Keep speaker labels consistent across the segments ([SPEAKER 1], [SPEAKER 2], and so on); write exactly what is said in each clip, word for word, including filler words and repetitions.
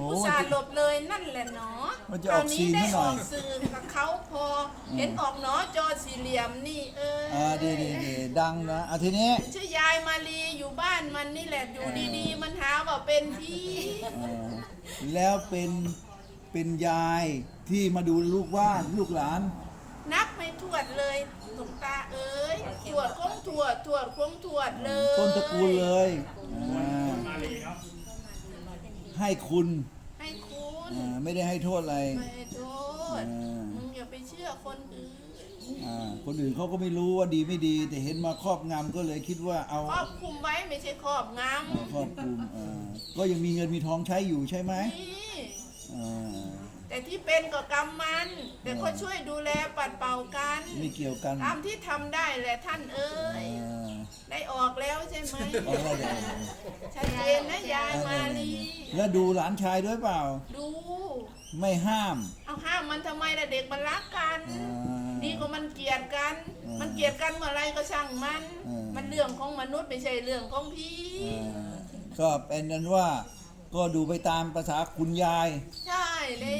[SPEAKER 1] อุตส่าห์หลบเลยนั่นแหละเนาะ
[SPEAKER 2] มันจะ
[SPEAKER 1] ค
[SPEAKER 2] อ
[SPEAKER 1] รา
[SPEAKER 2] อ
[SPEAKER 1] ว
[SPEAKER 2] ก
[SPEAKER 1] นี้
[SPEAKER 2] ซีน
[SPEAKER 1] ได้
[SPEAKER 2] ให้ห
[SPEAKER 1] อ
[SPEAKER 2] น่อ
[SPEAKER 1] อย กสื่อกับเขาพอ เห็นออกเนาะจอสี่เหลี่ยมนี่เออ
[SPEAKER 2] อ่าดีดีดีดังนะอ่ะทีนี้
[SPEAKER 1] ชื่อยายมาลีอยู่บ้านมันนี่แหละอยู่ดีๆ มันหาว่าเป็นพี่
[SPEAKER 2] เออแล้วเป็นเป็นยายที่มาดูลูกว่านลูกหลาน
[SPEAKER 1] นับไม่ถวดเลยหลวงตาเอ้ยถวดคงถวดถวดคงถวดเลย
[SPEAKER 2] ต้นตระกูลเลยอ่าให้คุณ
[SPEAKER 1] ให้คุณ
[SPEAKER 2] อ่าไม่ได้ให้โทษอะไร
[SPEAKER 1] ไม่ให้โทษ
[SPEAKER 2] อ่า
[SPEAKER 1] มึงอย่าไปเชื่อคนอื่น
[SPEAKER 2] อ่าคนอื่นเขาก็ไม่รู้ว่าดีไม่ดี แต่เห็นมาครอบงำก็เลยคิดว่าเอา
[SPEAKER 1] ครอบคุมไว้ไม่ใช่ครอบง
[SPEAKER 2] เอาครอบคลุมอ่าก็ยังมีเงินมีทองใช้อยู่ใช่ไหม
[SPEAKER 1] ำนี่
[SPEAKER 2] อ่า
[SPEAKER 1] แต่ที่เป็นก็กรรมมัน แต่ก็ช่วยดูแลปัดเป่ากัน
[SPEAKER 2] ไม่เกี่ยวกัน
[SPEAKER 1] ตามที่ทำได้แหละท่านเอ้ย
[SPEAKER 2] อ่า
[SPEAKER 1] ได้ออกแล้วใช่ไหม
[SPEAKER 2] เอาแล้วเดี๋ยว
[SPEAKER 1] ชัดเจนนะยายมาลี
[SPEAKER 2] แล้วดูหลานชายด้วยเปล่า
[SPEAKER 1] ดู
[SPEAKER 2] ไม่ห้าม
[SPEAKER 1] เอาห้ามมันทำไมล่ะเด็กมันรักกัน
[SPEAKER 2] อ่า
[SPEAKER 1] นี่ก็มันเกลียดกัน
[SPEAKER 2] อ่ามั
[SPEAKER 1] มันเกลียดกันเมื่อไรก็ช่างมัน
[SPEAKER 2] อ่ามั
[SPEAKER 1] มันเรื่องของมนุษย์ไม่ใช่เรื่องของพี่
[SPEAKER 2] อ่าก็เป็นนั้นว่าก็ดูไปตามภาษาคุณยาย
[SPEAKER 1] ใช่แล้ว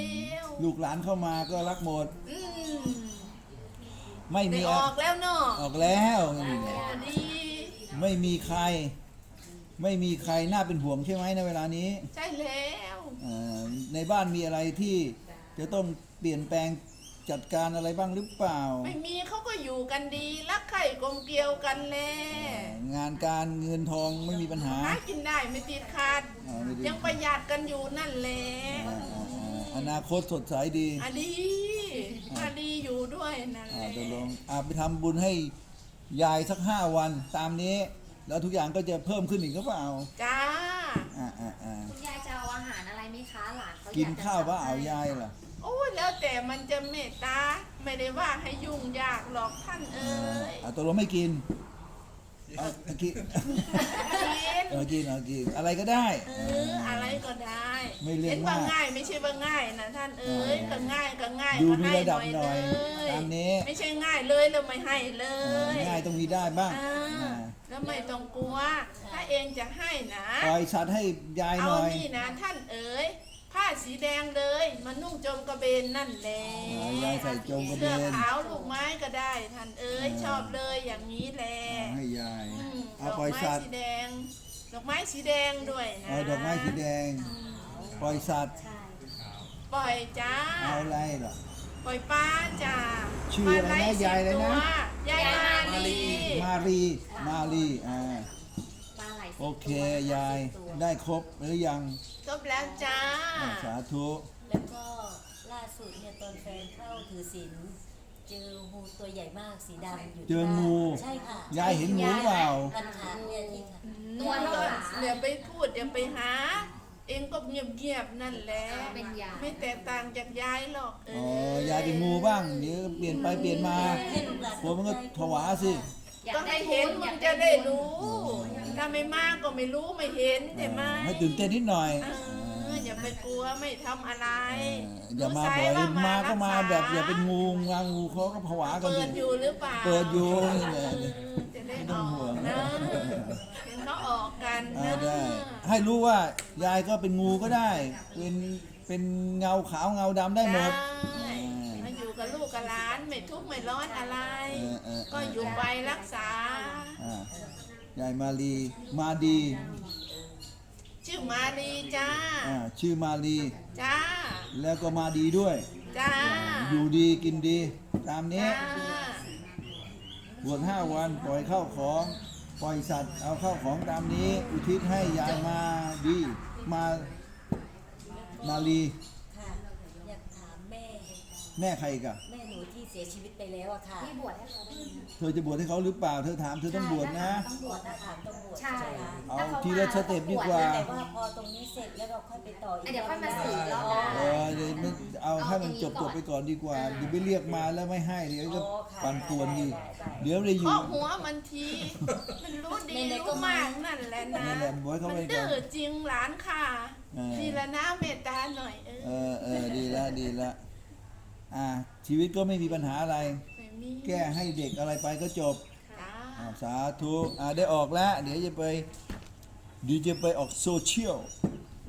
[SPEAKER 2] ลูกหลานเข้ามาก็รักหมด
[SPEAKER 1] อืม
[SPEAKER 2] ไม่
[SPEAKER 1] ได้
[SPEAKER 2] มี
[SPEAKER 1] อ
[SPEAKER 2] อะ
[SPEAKER 1] อกแล้วเนาะ
[SPEAKER 2] ออกแล้ว
[SPEAKER 1] ดี
[SPEAKER 2] ไม่มีใคร ไม่มีใครน่าเป็นห่วงใช่ไหมในเวลานี้
[SPEAKER 1] ใช่แล้ว
[SPEAKER 2] อ่าในบ้านมีอะไรที่จะต้องเปลี่ยนแปลงจัดการอะไรบ้างหรือเปล่า
[SPEAKER 1] ไม่มีเขาก็อยู่กันดี รักใคร่กลมเกลียวกันแล
[SPEAKER 2] งานการเงินทองไม่มีปัญหา
[SPEAKER 1] หากินได้ไม่ติดขาด
[SPEAKER 2] อ่าไม่ติด
[SPEAKER 1] ยังประหยัดกันอยู่นั่นแหละ
[SPEAKER 2] อ่าอ่าอ่าอนาคตสดใสดี
[SPEAKER 1] อะดีอะดีอยู่ด้วยนั่นแห
[SPEAKER 2] อ่า
[SPEAKER 1] ละ
[SPEAKER 2] ตกลงอ่าไปทำบุญให้ยายสักห้าวันตามนี้ แล้วทุกอย่างก็จะเพิ่มขึ้นอีกหรือเปล่า
[SPEAKER 1] จ้า
[SPEAKER 2] อ่าอ่าอ่า
[SPEAKER 3] คุณยายจะเอาอาหารอะไรไหมคะหลานเขาอย
[SPEAKER 2] กิน
[SPEAKER 3] จะ
[SPEAKER 2] ข้าวว่า
[SPEAKER 3] สั่ง
[SPEAKER 2] เอา
[SPEAKER 3] ให้
[SPEAKER 2] ยายล่ะ
[SPEAKER 1] โอ้ยแล้วแต่มันจะเมตตา ไม่ได้ว่าให้ยุ่งยากหรอกท่านเอ้ย
[SPEAKER 2] อ่าตกลงไม่กินเอาเอากิน
[SPEAKER 1] กิน
[SPEAKER 2] เออกินเอากินอะไรก็ได้
[SPEAKER 1] เอออะไรก็ได้
[SPEAKER 2] ไม่เรื่อง
[SPEAKER 1] เห็นว่าม
[SPEAKER 2] าก
[SPEAKER 1] ง่ายไม่ใช่ว่าง่ายนะท่านเอ้ย
[SPEAKER 2] อ่า
[SPEAKER 1] ก็ง่ายก็ง่าย
[SPEAKER 2] ดู
[SPEAKER 1] ก็
[SPEAKER 2] มี
[SPEAKER 1] ให้
[SPEAKER 2] ระดับหน่อย
[SPEAKER 1] เลย
[SPEAKER 2] ตามนี้
[SPEAKER 1] ไม่ใช่ง่ายเลยแล้วไม่ให้เล
[SPEAKER 2] อ่าย ง่ายต้องมีได้บ้าง
[SPEAKER 1] อ่า
[SPEAKER 2] อ่า
[SPEAKER 1] แล้วไม่ต้องกลัว ถ้าเองจะให้นะ
[SPEAKER 2] ปล่อยสัตว์ให้ยายห
[SPEAKER 1] เอา
[SPEAKER 2] น่อย
[SPEAKER 1] นี่นะท่านเอ๋ยผ้าสีแดงเลยมานุ่งโจมกระเบนนั่นแหละ
[SPEAKER 2] อ่ายายใส่จงกระเบ
[SPEAKER 1] เสื้อน ขาวลูกไม้ก็ได้ท่านเอ๋ย
[SPEAKER 2] อ่า
[SPEAKER 1] ชอบเลยอย่างนี้แหละ
[SPEAKER 2] อ่าให้ยาย
[SPEAKER 1] อืม
[SPEAKER 2] เอา
[SPEAKER 1] ดอก
[SPEAKER 2] ปล่อย
[SPEAKER 1] ไม้
[SPEAKER 2] สัตว์
[SPEAKER 1] สีแดง ดอกไม้สีแดงด้วยนะ
[SPEAKER 2] เอาดอกไม้สีแดง ปล่อยสัตว์
[SPEAKER 3] ใช่
[SPEAKER 1] ปล่อยจ้า
[SPEAKER 2] เอาอะไรเหรอ
[SPEAKER 1] ปล่อยป้าจ้า
[SPEAKER 2] ชื่ออะไรนะ
[SPEAKER 1] ปลาหล
[SPEAKER 2] ยายอะไรนะ
[SPEAKER 1] สิบตัวยายมาลี
[SPEAKER 2] มารีมารีอ่า
[SPEAKER 3] ปลาไหลสิบ
[SPEAKER 2] โอเค
[SPEAKER 3] ตัวย
[SPEAKER 2] าย
[SPEAKER 3] สิบตัว
[SPEAKER 2] ได้ครบหรือยัง
[SPEAKER 1] จบแล้วจ้า
[SPEAKER 2] อ่าสาธุ
[SPEAKER 4] แล้วก็ล่าสุดเนี่ยตอนแฟนเข้าถือศีลเจองูตัวใหญ่มากสีดำอยู่
[SPEAKER 2] เจ
[SPEAKER 4] ที่
[SPEAKER 2] อ
[SPEAKER 4] บ้าน
[SPEAKER 2] งู
[SPEAKER 4] ใช่ค่ะ
[SPEAKER 2] ยายเห็นงูเปล่า
[SPEAKER 4] กันขาเนี่ยที่ขา
[SPEAKER 3] ตัวเท่าหลา
[SPEAKER 1] เดี๋ยวไปพูดเดี๋ยวไปหา เองก็เงียบๆนั่นแหละ
[SPEAKER 3] เป็นยา
[SPEAKER 1] ไม่แตกต่างจากยายหรอกเอ
[SPEAKER 2] อ๋อ
[SPEAKER 1] อย
[SPEAKER 2] ายเป็นงูบ้าง เดี๋ยวเปลี่ยนไปเปลี่ยนมา
[SPEAKER 4] ให้ลูกหลาน
[SPEAKER 2] กลัวมันก็ผวาสิ
[SPEAKER 3] อยาก
[SPEAKER 1] ก็
[SPEAKER 3] ได้
[SPEAKER 1] ให้
[SPEAKER 3] ทุ
[SPEAKER 1] เห็น
[SPEAKER 3] อ
[SPEAKER 1] มึ
[SPEAKER 3] ยาง ก
[SPEAKER 1] จะได้
[SPEAKER 3] ทุน
[SPEAKER 1] รู้ ถ้าไม่มากก็ไม่รู้ไม่เห็นใช่ไหม
[SPEAKER 2] ให้ตื่นเต้นนิดหน่อย
[SPEAKER 1] เอออย่าไปกลัวไม่ทำอะไร
[SPEAKER 2] เอออย่ามาบ่อยมาก็มาแบบอย่าเป็นงูงางูเขาก็ผวากัน
[SPEAKER 1] เปิ
[SPEAKER 2] สิ
[SPEAKER 1] ดอยู่หรือเปล่า
[SPEAKER 2] เปิดอยู่นี่แห
[SPEAKER 1] เอ
[SPEAKER 2] ละ
[SPEAKER 1] อจะได้
[SPEAKER 2] ไม่
[SPEAKER 1] อ
[SPEAKER 2] ต้อง
[SPEAKER 1] อ
[SPEAKER 2] ห่ว
[SPEAKER 1] ก
[SPEAKER 2] ง
[SPEAKER 1] นะเห็นเขาออกกัน
[SPEAKER 2] อ่า
[SPEAKER 1] นะ
[SPEAKER 2] ได้ ให้รู้ว่ายายก็เป็นงูก็ได้ เป็นเป็นเงาขาวเงาดำได้หมด
[SPEAKER 1] ได้มาอยู่กับลูกกับหลานไม่ทุกข์ไม่ร้อนอะไร
[SPEAKER 2] เออเออเออ
[SPEAKER 1] ก็อยู่ไปรักษา
[SPEAKER 2] อ่ายายมาลีมาดี
[SPEAKER 1] ชื่อมาลีจ้า
[SPEAKER 2] อ่าชื่อมาลี
[SPEAKER 1] จ้า
[SPEAKER 2] แล้วก็มาดีด้วย
[SPEAKER 1] จ้า
[SPEAKER 2] อยู่ดีกินดี ตามนี้
[SPEAKER 1] จ้า
[SPEAKER 2] บวชห้าวันปล่อยเข้าของ ปล่อยสัตว์เอาเข้าของตามนี้ อุทิศให้ยายมาดีมามาลี
[SPEAKER 4] ค่ะอยากถามแม่
[SPEAKER 2] แม่ใครอีกัน
[SPEAKER 4] แม่หนูที่เสียชีวิตไปแล้วอะค่ะ
[SPEAKER 3] ที่บวชให้เขาได้ไหม
[SPEAKER 2] เธอจะบวชให้เขาหรือเปล่า เธอถามเธอต้องบวชนะ
[SPEAKER 4] ต้องบวชนะคะต้องบวช
[SPEAKER 3] ใช่
[SPEAKER 4] ไหมคะ
[SPEAKER 2] เอา
[SPEAKER 3] ถ้ข
[SPEAKER 2] ทีละสเต็ปดีกว่า
[SPEAKER 4] แต่ว่าพอตรงนี้เสร็จแล้วเราค่อยไปต่ออีก
[SPEAKER 3] เดี๋ยวค่อยมาสื่อรอบ
[SPEAKER 4] อ๋อ
[SPEAKER 2] เออเดี๋ยวมันเอาให้มันจบจบไปก่อนดีกว่าเดี๋ยวไปเรียกมาแล้วไม่ให้เดี๋ยวจะปั่นป่วนดีเดี๋ยวเลยอ
[SPEAKER 1] เคาะ
[SPEAKER 2] ยู่
[SPEAKER 1] หัวมันที มันรู้ดีรู้มากนั่นแหละนะ
[SPEAKER 2] นั่นแหละบอกให้เขา
[SPEAKER 1] มัน
[SPEAKER 2] ไปก่อน
[SPEAKER 1] ดื้อจริงหลานค่ะ
[SPEAKER 2] เออ
[SPEAKER 1] นี่ละนะเมตตาหน่อยเอ
[SPEAKER 2] เอ
[SPEAKER 1] อ
[SPEAKER 2] อเออดีละดีละอ่าชีวิตก็ไม่มีปัญหาอะไร
[SPEAKER 1] ไม่มี
[SPEAKER 2] แก้ให้เด็กอะไรไปก็จบ
[SPEAKER 1] จ้า
[SPEAKER 2] อ่าสาธุอ่าได้ออกแล้ว เดี๋ยวจะไปเดี๋ยวจะไปออกโซเชียล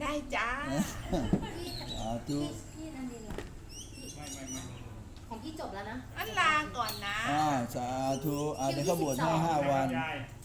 [SPEAKER 1] ได้จ้า
[SPEAKER 2] สาธุ
[SPEAKER 3] พี่นันดินล่ะพี่ของพี่จบแล้วนะ
[SPEAKER 1] อันลาก่อนนะ
[SPEAKER 2] อ่าสาธุอ่าเดี๋ยวเขาบวชให้ห้าวัน
[SPEAKER 5] ยาย